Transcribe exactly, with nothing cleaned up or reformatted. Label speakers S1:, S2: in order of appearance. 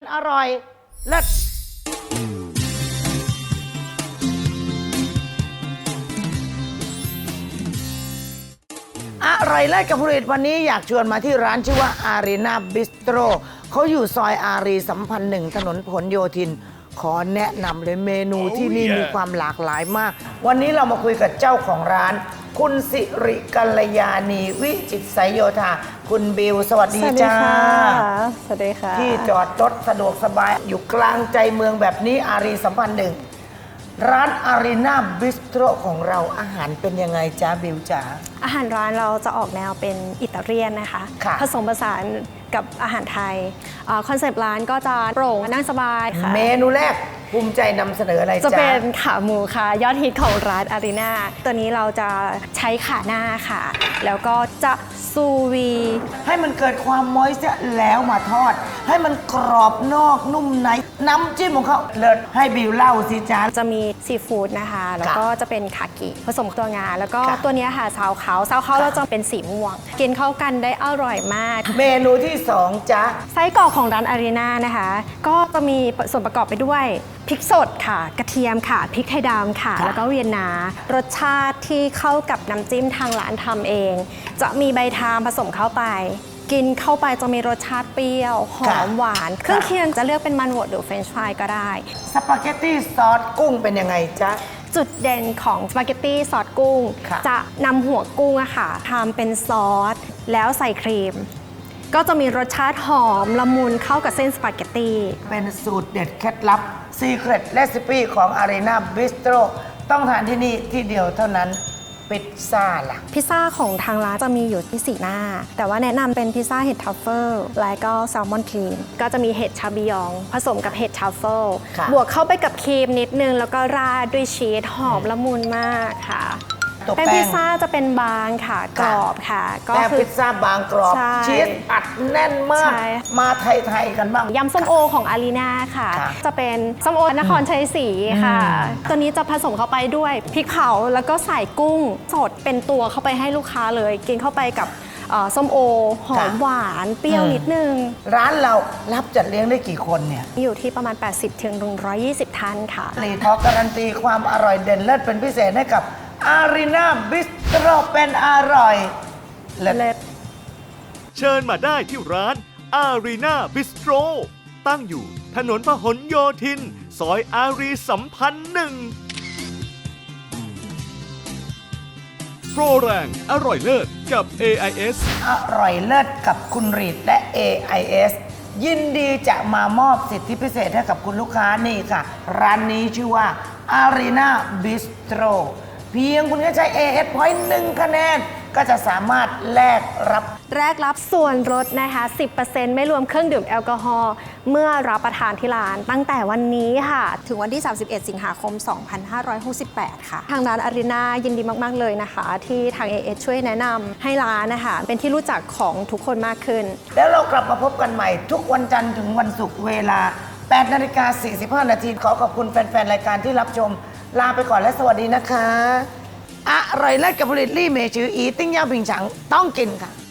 S1: อร่อยเลิศอร่อยเลิศกับผลิตวันนี้อยากชวนมาที่ร้านชื่อว่าอารีนาบิสโตรเขาอยู่ซอยอารีสัมพันธ์หนึ่งถนนผลโยธินขอแนะนำเลยเมนูที่นี่มีความหลากหลายมากวันนี้เรามาคุยกับเจ้าของร้านคุณสิริกัลยาณีวิจิตรไสยโยธาคุณบิวสวัสดีจ้า
S2: สวัสดีค่ะ
S1: ที่จอดรถสะดวกสบายอยู่กลางใจเมืองแบบนี้อารีสัมพันธ์หนึ่งร้านอารีนาบิสโตรของเราอาหารเป็นยังไงจ้าบิวจ๋า
S2: อาหารร้านเราจะออกแนวเป็นอิตาเลียนนะคะผสมผสานกับอาหารไทยคอนเซปต์ร้านก็จะโปร่งนั่งสบายค่ะ
S1: เมนูแรกภูมิใจนำเสนออะไรจ๊ะ
S2: จะเป็นขาหมูค่ะยอดฮิตของร้านอารีนาตัวนี้เราจะใช้ขาหน้าค่ะแล้วก็จะซูวี
S1: ให้มันเกิดความมอยส์แล้วมาทอดให้มันกรอบนอกนุ่มในน้ำจิ้มของเขาเลิศให้บิวเล่าสิจ๊ะ
S2: จะมีซีฟู้ดนะคะแล้วก็จะเป็นคากิผสมตัวงาแล้วก็ตัวนี้ค่ะซาวเขาซาวเขาเราจะเป็นสีม่วงกินเข้ากันได้อร่อยมาก
S1: เมนูที่สองจ๊ะ
S2: ไส้กรอกของร้านอารีนานะคะก็จะมีส่วนประกอบไปด้วยพริกสดค่ะกระเทียมค่ะพริกไทยดำค่ะแล้วก็เวียนนารสชาติที่เข้ากับน้ำจิ้มทางร้านทำเองจะมีใบทามผสมเข้าไปกินเข้าไปจะมีรสชาติเปรี้ยวหอมหวานเครื่องเคียงจะเลือกเป็นมันบดหรือเฟรนช์ฟรายก็ได้
S1: สปาเกตตี้ซอสกุ้งเป็นยังไงจ๊ะ
S2: จุดเด่นของสปาเกตตี้ซอสกุ้งจะนำหัวกุ้งอะค่ะทำเป็นซอสแล้วใส่ครีมก็จะมีรสชาติหอมละมุนเข้ากับเส้นสปาเกตตี้
S1: เป็นสูตรเด็ดเคล็ดลับ Secret Recipe ของ Arena Bistro ต้องทานที่นี่ที่เดียวเท่านั้นพิซซ่าล่ะ
S2: พิซซ่าของทางร้านจะมีอยู่ที่สี่หน้าแต่ว่าแนะนำเป็นพิซซ่าเห็ดทัฟเฟิลและก็แซลมอนครีมก็จะมีเห็ดชาบิยองผสมกับเห็ดทัฟเฟิลบวกเข้าไปกับครีมนิดนึงแล้วก็ราดด้วยชีสหอมละมุนมากค่ะแป้งพิซซ่าจะเป็นบางค่ะกรอบค่ะ
S1: ก็คือพิซซ่าบางกรอบชีสอัดแน่นมากมาไทยๆกันบ้าง
S2: ยำส้มโอของอารีนาค่ะจะเป็นส้มโอนครชัยศรีค่ะตัวนี้จะผสมเข้าไปด้วยพริกเผาแล้วก็ใส่กุ้งสดเป็นตัวเข้าไปให้ลูกค้าเลยกินเข้าไปกับส้มโอหอมหวานเปรี้ยวนิดนึง
S1: ร้านเรารับจัดเลี้ยงได้กี่คนเนี่ย
S2: อยู่ที่ประมาณ แปดสิบถึงหนึ่งร้อยยี่สิบ ท่านค่ะ
S1: รีทอการันตีความอร่อยเด่นเลิศเป็นพิเศษให้กับอารีนาบิสโตรเป็นอร่อยเลิศ
S3: เชิญมาได้ที่ร้านอารีนาบิสโตรตั้งอยู่ถนนพหลโยธินซอยอารีสัมพันธ์หนึ่งโปรแรงอร่อยเลิศกับ เอ ไอ เอส
S1: อร่อยเลิศกับคุณรีดและ เอ ไอ เอส ยินดีจะมามอบสิทธิพิเศษให้กับคุณลูกค้านี่ค่ะร้านนี้ชื่อว่า Arena Bistro เพียงคุณแค่ใช้ เอ เอส Point หนึ่งคะแนนก็จะสามารถแลกรับ
S2: แลกรับส่วนลดนะคะ สิบเปอร์เซ็นต์ ไม่รวมเครื่องดื่มแอลกอฮอล์เมื่อรับประทานที่ร้านตั้งแต่วันนี้ค่ะถึงวันที่ สามสิบเอ็ด สิงหาคม สองพันห้าร้อยหกสิบแปด ค่ะทางร้านอารีนายินดีมากๆเลยนะคะที่ทาง เอ เอส ช่วยแนะนำให้ร้านนะคะเป็นที่รู้จักของทุกคนมากขึ้น
S1: แล้วเรากลับมาพบกันใหม่ทุกวันจันทร์ถึงวันศุกร์เวลา แปดนาฬิกาสี่สิบห้า นาทีขอขอบคุณแฟนๆรายการที่รับชมลาไปก่อนและสวัสดีนะคะอร่อยเลิศกับผลิตลี่เมชืออีติ้งย่าผิงฉังต้องกินค่ะ